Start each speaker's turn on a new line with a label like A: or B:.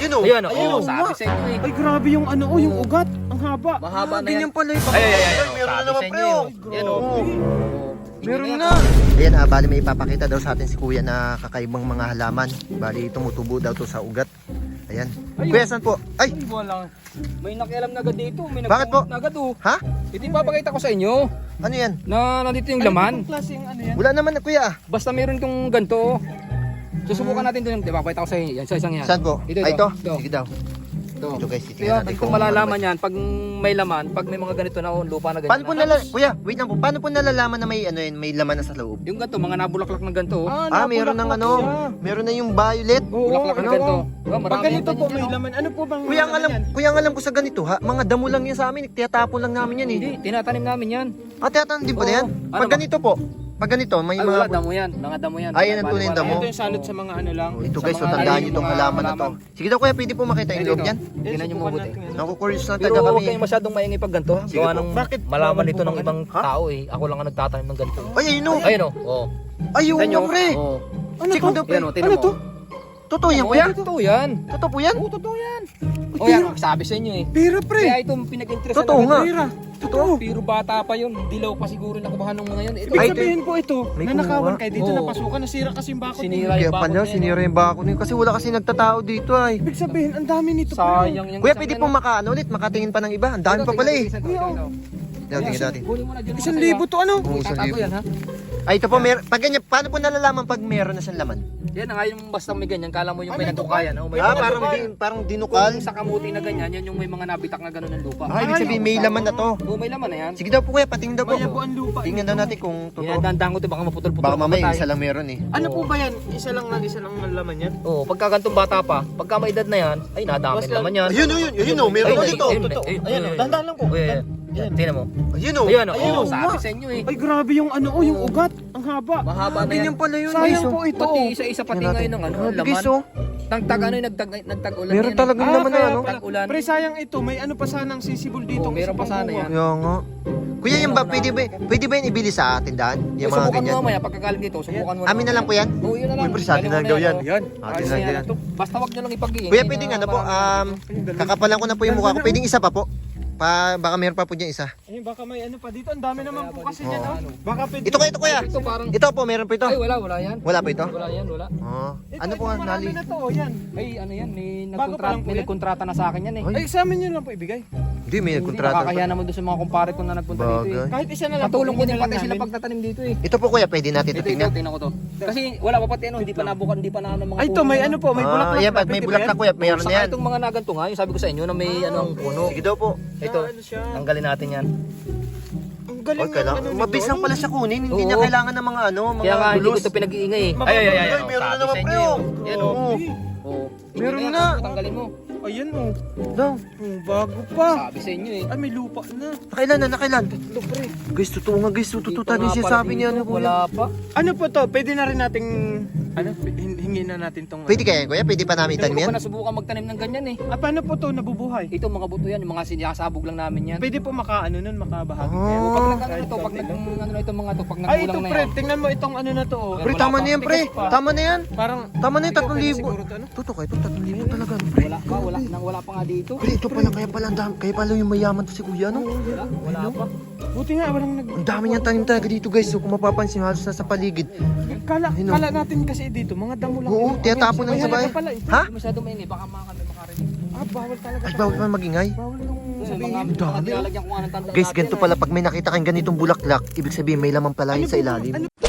A: Ayun o.
B: Ayan,
C: Ayun,
B: oh, sabi sa inyo eh.
C: Ay, grabe yung ano, yung ugat. Ang haba.
B: Mahaba na yan.
A: Ganyan pala yung
B: Ay,
A: meron na
B: sabi
A: naman
B: sa
A: pre
B: inyo
A: oh.
B: eh. Yan o.
A: Meron na.
D: Ayan ha, bali may ipapakita daw sa atin si kuya na kakaibang mga halaman. Bali tumutubo daw to sa ugat. Ayan. Kuya, saan po? Ay!
B: Ay, wala. May nakialam na agad dito. May
D: Bakit po?
B: na agad oh.
D: Ha?
B: Ito yung papakita ko sa inyo.
D: Ano yan?
B: Na nandito yung laman.
C: Anong klaseng ano yan?
D: Wala naman na kuya.
B: Basta meron itong ganito. Susubukan natin ito yung, di ba? Pakita ko sa inyo. Yan, sa isang yan.
D: Saan po?
B: Ito,
D: Ay,
B: ito.
D: ito. Sige daw.
B: Ito.
D: Ito guys,
B: Kaya
D: titingnan natin
B: pag malalaman yan, pag may laman, pag may mga ganito na lupa na ganyan.
D: Paano po kuya, wait lang po. Paano po nalalaman na may ano yun, may laman na sa loob?
B: Yung ganito, mga nabulaklak ng ganito.
D: Meron ng ano, meron na yung violet.
B: Bulaklak ng ganito. Diba,
C: Pag
B: marami
C: ganito
B: yan
C: po,
B: ganyan,
C: may
B: oh.
C: laman. Ano po bang
D: Kuya, ang
C: laman
D: alam,
C: yan?
D: kuya, ang alam ko sa ganito ha, mga damo lang yan sa amin, tiyatapon lang namin yan eh.
B: Hindi, tinatanim namin yan.
D: Tiyatanim din po na yan?
B: Oo. Ano
D: Pag
B: ba?
D: ganito po, pag ganito, may
B: Ay,
D: mga...
B: wala, damo yan. Mga damo yan.
D: Ay, yan ang tunay na damo.
C: Ito yung salot sa mga ano lang.
D: Ito
B: Sa
D: guys, so
B: mga
D: tandaan
B: lalim,
D: nyo itong
B: mga
D: halaman na to.
B: halaman.
D: Sige daw kuya, pwede po makita yung loob yan?
B: Tingnan nyo mabuti.
D: Naku-curious na
B: Pero
D: talaga
B: huwag
D: kami.
B: kayong masyadong maingay pag ganito.
D: Sige
B: Gawa
D: po.
B: ng
C: Bakit?
B: malaman
C: Bawal
B: nito
C: po
B: ng
C: ba
B: ibang tao eh. Ako lang ang nagtatanim ng ganito.
D: Ay, ayun o.
B: Ayun o. Oh.
D: Ayun
B: Tignan nyo.
D: o, pre.
B: Oh.
C: Ano
D: Sige
C: to?
D: daw, pre.
B: Yan o, tingnan
C: Ano
B: mo.
C: to?
D: Totoo yan,
B: Oh,
D: kuya?
B: yan. Totoo yan.
D: Totoo po yan?
B: Oo, totoo yan. O yan, sabi sa inyo eh.
C: Pira, pre.
B: Kaya ito pinag-interest
D: Totoo nga.
C: Pira. Totoo.
B: Pero bata pa yun. Dilaw pa siguro nakubahan ng mga yun. Ito,
C: Ibig
D: Ay,
C: sabihin po ito,
D: may
C: nanakawan
D: kumuha.
C: kayo dito,
B: Oo.
C: napasukan, nasira kasi yung bakod.
B: Sinira.
D: Kaya
B: yung
D: pa
B: bakod
D: na,
B: na yan,
D: sinira yung bako niyo. Kasi wala kasi nagtatao dito ay.
C: Ibig sabihin, ang dami nito. pre.
B: sayang yung
D: Kuya,
B: isang
D: pwede
B: yan,
D: po
B: oh.
D: makaano ulit, makatingin pa ng iba. Ang dami
B: Ito,
D: pa pala eh.
B: tingnan, tingnan, tingnan, tingnan.
D: Tingnan natin.
B: Kunin mo na dyan.
C: 1,000 to ano?
D: Oo, isang
B: Tatago
D: libo.
B: yan ha.
D: Ay, ito po, pag ganyan, paano po nalalaman pag meron na siyang laman?
B: Yan na nga yung basta may ganyan. Kala mo yung may
C: may
B: nagkukayan. Oh, may
D: Ah,
B: mga
D: parang,
B: dukal.
D: parang dinukal.
B: Kung sa kamuti na ganyan, yan yung may mga nabitak na gano'n ng lupa.
D: Ah, ibig sabihin may laman na to.
B: Oo, may laman na yan.
D: Sige daw po kuya, patingin daw po.
C: Mayabo ang lupa.
D: Tingnan daw natin kung totoo.
B: Dinadandaan ko ito, baka maputol-putol.
D: Baka
B: ang
D: mamaya
B: patay.
D: isa lang meron eh.
C: Ano po ba yan? Isa lang ang laman yan?
B: Oo, pagka gantong bata pa, pagka may edad na yan, ay nadami
C: Basta-
B: naman yan.
A: Ayun o, meron
B: Ayun,
A: dito.
B: ayun,
C: Totoo.
B: ayun,
C: Ayan,
B: ayun,
C: dahan-dahan lang po.
B: Oh, yan. Yan, tingnan mo.
A: Ayun o.
B: Ayun,
C: Ayun,
B: oh,
C: nga.
B: sabi sa inyo eh.
C: Ay, grabe yung ano, yung ugat. Ang haba.
B: Mahaba na yan.
D: Ganyan pala yun.
C: Sayang
D: guys, oh.
C: po ito.
B: Pati isa-isa pati
D: Tingnan
B: ngayon ng ano,
D: Grabe,
B: laman.
D: guys, oh.
B: Tagtag ano yung nagtag-ulan
D: Meron
B: yan.
D: talagang laman na
C: kaya
D: ano.
C: pala.
B: Tag-ulan.
C: Pre, sayang ito. May ano pa sanang sisibol dito.
B: Oo, meron pa sana yan.
D: Kaya nga. Kuya, yung ba, pwede ba yung ibili sa tindahan? Yung mga
B: Subukan mo
D: ganyan.
B: mamaya, pagkagaling dito, subukan mo.
D: Amin na lang po yan?
B: Oo, yun na lang.
D: Uy, pre, sa atin na lang daw yan.
B: Yan.
D: Atin na lang yan.
B: Basta wag nyo lang ipag-iingay.
D: Kuya, pwedeng ano po, kakapalan ko na po yung mukha ko. Pwedeng isa pa po. Baka meron pa po dyan isa.
C: Eh, baka may ano pa dito. Ang dami naman po kasi yan. Oh. Baka pwede.
D: Ito kuya.
B: Ito parang...
D: Ito po, meron po ito.
B: Ay, wala yan.
D: Wala po ito?
B: Wala yan, wala.
D: Oh.
C: Ito,
D: Ano po
C: ito,
D: ang
C: marami
D: nali?
C: na to. Oh, yan.
B: Ay, ano yan,
C: Bago pa lang po
B: may
C: yan?
B: nagkontrata na sa akin yan eh.
D: Ay.
C: Ay, sa amin yun lang po ibigay.
D: Hindi, may
B: Hindi,
D: nagkontrata.
B: nakakahiya naman doon sa mga kumpare ko na nagpunta dito eh.
D: Bagay.
C: Kahit isa na lang.
B: Patulong ko
C: hingin
B: din
C: na lang
B: pati sila
C: namin.
B: pagtatanim dito eh.
D: Ito po kuya, pwede natin ito
B: Ito,
D: tingnan.
B: tingnan ko to. Kasi wala pa pati ano, hindi pa nabukan, hindi pa na ano mga
C: Ay, ito, may ano po. May bulaklak.
D: Yan, pag may bulaklak kuya, meron na
B: Saka
D: yan.
B: itong mga naganto nga, yung sabi ko sa inyo na may ano ang puno.
D: Sige daw po.
B: Ito,
C: Ano siya?
B: tanggalin natin yan.
C: Ang galing
D: Okay lang.
C: ng ano nito.
D: Mabilis lang pala siya kunin. Hindi
B: Oo.
D: niya kailangan ng mga ano, mga
B: Kaya nga, hindi ko
D: gulos.
B: ito pinag-iingay eh.
C: Ay,
A: Ay, meron na naman pre o.
B: Yan o.
D: Oo.
B: Oo.
D: Meron
B: Tingnan
D: na.
B: yan, tanggalin mo.
C: Ayan oh.
D: Daw.
C: Bago pa.
B: Sabi sa inyo eh.
C: Ay, may lupa na.
D: Nakailan na, nakailan.
C: Ito, pre.
D: Guys, totoo nga guys. Totoo
B: Dito
D: tayo
B: nga
D: siya
B: pala
D: sabi niya.
B: dito,
D: Ano, kuya.
B: wala pa.
C: Ano po to? Pwede na rin nating hingin na natin tong
D: Pwede kaya kuya? Pwede pa namin
B: Hindi
D: itanim
B: ko
D: yan?
B: pa nasubukan magtanim ng ganyan eh.
C: paano po to nabubuhay?
B: Ito mga buto yan, yung mga sinasabog lang namin yan.
C: Pwede po makaano nun, makabahagi
D: Oh.
C: kayo.
B: Pag nag ano to, pag nag ano na itong mga to, pag
C: Ay,
B: nagkulang
C: ito
B: na
C: pre,
B: yan.
C: tingnan mo itong ano na to oh.
D: Pre,
B: Wala
D: tama
B: pa.
D: na yan, pre.
C: Tigas pa.
D: Tama na yan.
C: Parang
D: Tama na yung
C: Ikaw, pwede
D: 3,000.
C: siguro to, ano?
D: Totoo kayo, itong 3,000 talaga. ano, Pre,
B: Wala pa, wala pa nga dito.
D: pre, ito pala, kaya pala, kaya pala yung mayaman to si kuya, no?
B: Wala pa.
C: Buti nga walang nag
D: Ang dami niyang tanim talaga dito, guys. So, kung mapapansin, halos nasa paligid. Ayun, oh.
C: kala natin kasi dito, mga damo lang.
D: Oo,
C: Ano,
D: tiyatapon lang
C: may
D: sa bahay.
C: halaga pala eh.
D: Ha?
B: Hindi masyado maingay, baka mga kami makarinig.
C: Bawal talaga.
D: Ay, bawal pa magingay.
C: Bawal yung
B: Mga
C: sabihin.
B: mga nilalagyan ko nga ng tanda.
D: Guys, ganito pala, pag may nakita kang ganitong bulaklak, ibig sabihin may laman pala yun sa ilalim.